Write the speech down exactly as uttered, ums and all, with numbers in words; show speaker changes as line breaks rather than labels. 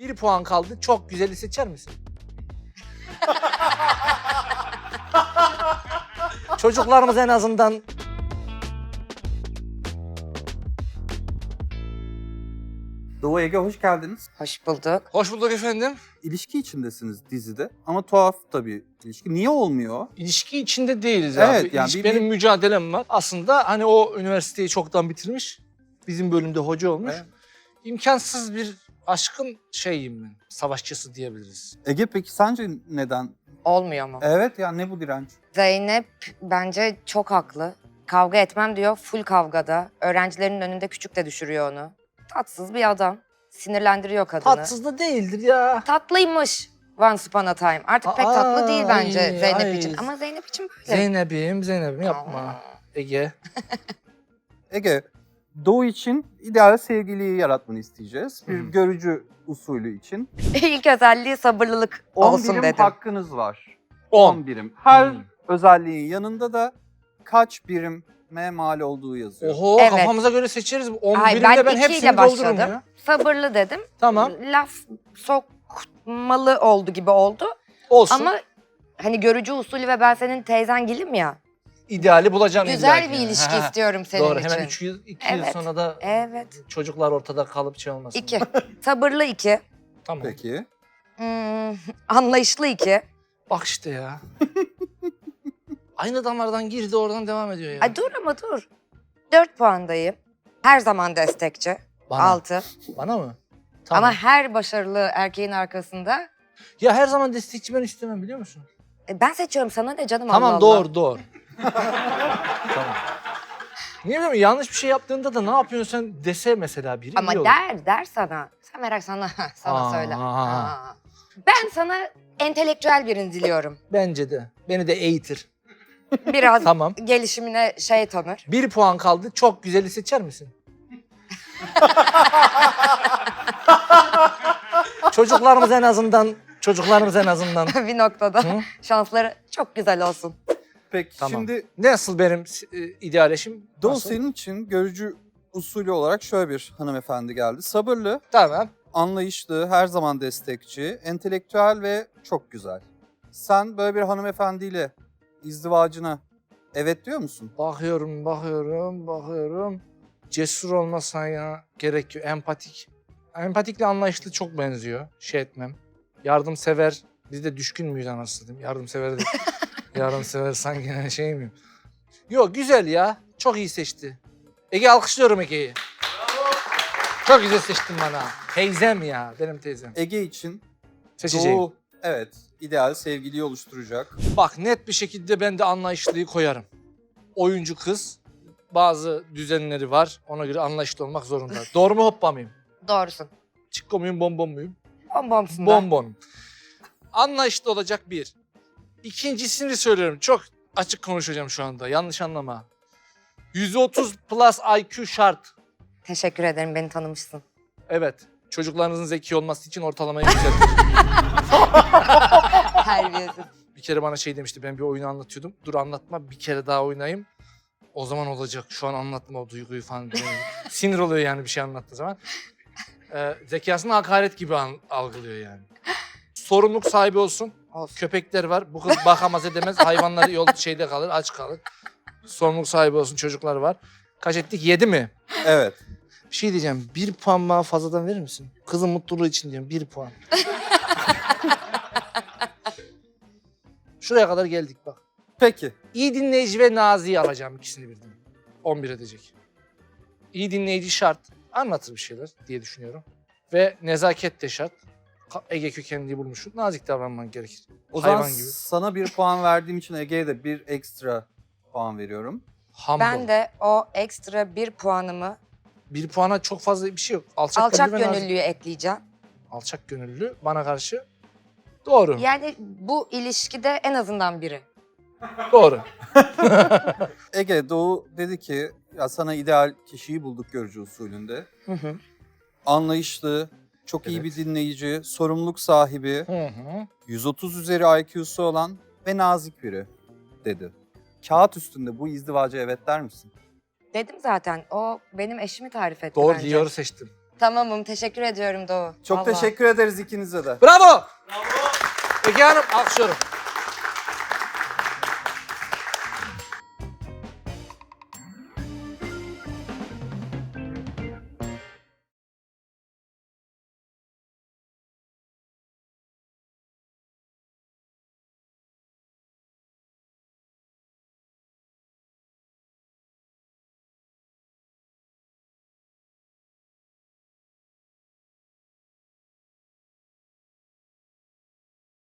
Bir puan kaldı. Çok güzeli seçer misin? Çocuklarımız en azından...
Doğu, Ege hoş geldiniz.
Hoş bulduk.
Hoş bulduk efendim.
İlişki içindesiniz dizide ama tuhaf tabii ilişki. Niye olmuyor?
İlişki içinde değiliz
Evet,
abi.
yani
İlişki,
bir-
benim
bir-
mücadelem var. Aslında hani o üniversiteyi çoktan bitirmiş. Bizim bölümde hoca olmuş.
Evet.
İmkansız bir aşkın şeyiyim ben. Savaşçısı diyebiliriz.
Ege peki sence neden?
Olmuyor mu?
Evet ya ne bu direnç?
Zeynep bence çok haklı. Kavga etmem diyor, full kavgada. Öğrencilerin önünde küçük de düşürüyor onu. Tatsız bir adam. Sinirlendiriyor kadını.
Tatsız da değildir ya.
Tatlıymış Once Upon a Time. Artık pek
Aa,
tatlı değil bence
ay,
Zeynep
ay.
için. Ama Zeynep için böyle.
Zeynep'im, Zeynep'im yapma.
Aa.
Ege.
Ege, Doğu için ideal sevgiliyi yaratmanı isteyeceğiz. Bir
Hı.
görücü usulü için.
İlk özelliği sabırlılık
on
olsun
birim
dedim.
hakkınız var.
on.
on birim. Her
Hmm.
özelliğin yanında da kaç birime mal olduğu yazıyor.
Oho
Evet.
kafamıza göre seçeriz. on
Ay,
birimde
ben
ben
ikiyle
hepsini doldururum
başladım.
ya.
Sabırlı dedim.
Tamam.
Laf sokmalı oldu gibi oldu.
Olsun.
Ama hani görücü usulü ve ben senin teyzengilim ya.
İdeali bulacağım
Güzel
illa
bir
ki.
ilişki
Ha, ha.
istiyorum senin
Doğru.
için.
Hemen üç yıl, iki yıl
Evet.
sonra da
Evet.
çocuklar ortada kalıp şey olmasın.
İki. Sabırlı iki.
Tamam.
Peki.
Hmm, anlayışlı iki.
Bak işte ya. Aynı damardan girdi oradan devam ediyor ya.
Ay dur ama dur. Dört puandayım. Her zaman destekçi.
Bana.
Altı.
Bana mı? Tamam.
Ama her başarılı erkeğin arkasında.
Ya her zaman destekçi ben istemem biliyor musun?
E, ben seçiyorum, sana ne canım,
Tamam
Allah
doğru
Allah.
doğru. Tamam. Niye bileyim yanlış bir şey yaptığında da ne yapıyorsun sen dese mesela biri
Ama
iyi olur.
der, der sana. Sen merak sana, sana
Aa.
söyle. Aa. Ben sana entelektüel birini diliyorum.
Bence de. Beni de eğitir.
Biraz
Tamam.
gelişimine şey tanır.
Bir puan kaldı. Çok güzeli seçer misin? Çocuklarımız en azından, çocuklarımız en azından.
Bir noktada
Hı?
şansları çok güzel olsun.
Peki
Tamam.
şimdi
Nasıl benim e, ideal eşim?
Doğu
Nasıl?
senin için görücü usulü olarak şöyle bir hanımefendi geldi. Sabırlı,
Tamam.
anlayışlı, her zaman destekçi, entelektüel ve çok güzel. Sen böyle bir hanımefendiyle izdivacına evet diyor musun?
Bakıyorum, bakıyorum, bakıyorum. Cesur olmasan ya gerekiyor. Empatik. Empatikle anlayışlı çok benziyor. Şey etmem. Yardımsever. Biz de düşkün müyüz anasını diyeyim. Yardımsever de. Yardımsever sanki şey miyim? Yok güzel ya. Çok iyi seçti. Ege alkışlıyorum Ege'yi. Çok güzel seçtin bana. Teyzem ya. Benim teyzem.
Ege için
Seçeceğim.
Doğu evet ideal sevgiliyi oluşturacak.
Bak net bir şekilde ben de anlayışlıyı koyarım. Oyuncu kız. Bazı düzenleri var. Ona göre anlayışlı olmak zorunda. Doğru mu hoppa mıyım?
Doğrusun.
Çikko muyum bonbon muyum?
Bombomsun da.
Bonbon. Anlayışlı olacak bir. İkincisini söylüyorum. Çok açık konuşacağım şu anda. Yanlış anlama. yüz otuz plus I Q şart.
Teşekkür ederim, beni tanımışsın.
Evet. Çocuklarınızın zeki olması için ortalamayı yükseltin.
Terbiyesiz.
Bir kere bana şey demişti. Ben bir oyunu anlatıyordum. Dur anlatma. Bir kere daha oynayayım. O zaman olacak. Şu an anlatma o duyguyu falan. Yani sinir oluyor yani bir şey anlattığı zaman. Ee, zekasını hakaret gibi an- algılıyor yani. Sorumluluk sahibi olsun.
Olsun.
Köpekler var. Bu kız bakamaz edemez. Hayvanları yol şeyde kalır, aç kalır. Sorumluluk sahibi olsun. Çocuklar var. Kaç ettik? Yedi mi?
Evet.
Bir şey diyeceğim. Bir puan bana fazladan verir misin? Kızın mutluluğu için diyorum. Bir puan. Şuraya kadar geldik bak.
Peki.
İyi dinleyici ve naziyi alacağım ikisini birden. on bir edecek. İyi dinleyici şart. Anlatır bir şeyler diye düşünüyorum. Ve nezaket de şart. Ka- Ege kökenliği bulmuşsun. Nazik davranman gerekir.
O
Hayvan
zaman
gibi.
sana bir puan verdiğim için Ege'ye de bir ekstra puan veriyorum.
Humble.
Ben de o ekstra bir puanımı
Bir puana çok fazla bir şey yok. Alçak,
alçak
gönüllü ve nazik.
gönüllüye ekleyeceğim.
Alçak gönüllü bana karşı. Doğru.
Yani bu ilişkide en azından biri.
Doğru.
Ege, Doğu dedi ki ya sana ideal kişiyi bulduk görücü usulünde.
Hı hı.
Anlayışlı, çok iyi
Evet.
bir dinleyici, sorumluluk sahibi,
Hı hı.
yüz otuz üzeri I Q'su olan ve nazik biri dedi. Kağıt üstünde bu izdivaca evet der misin?
Dedim zaten, o benim eşimi tarif etti
Doğru
bence.
Dior'u seçtim.
Tamamım. Teşekkür ediyorum Doğu.
Çok
Vallahi.
teşekkür ederiz ikinize de.
Bravo! Bravo! Ege Hanım alkışlıyorum.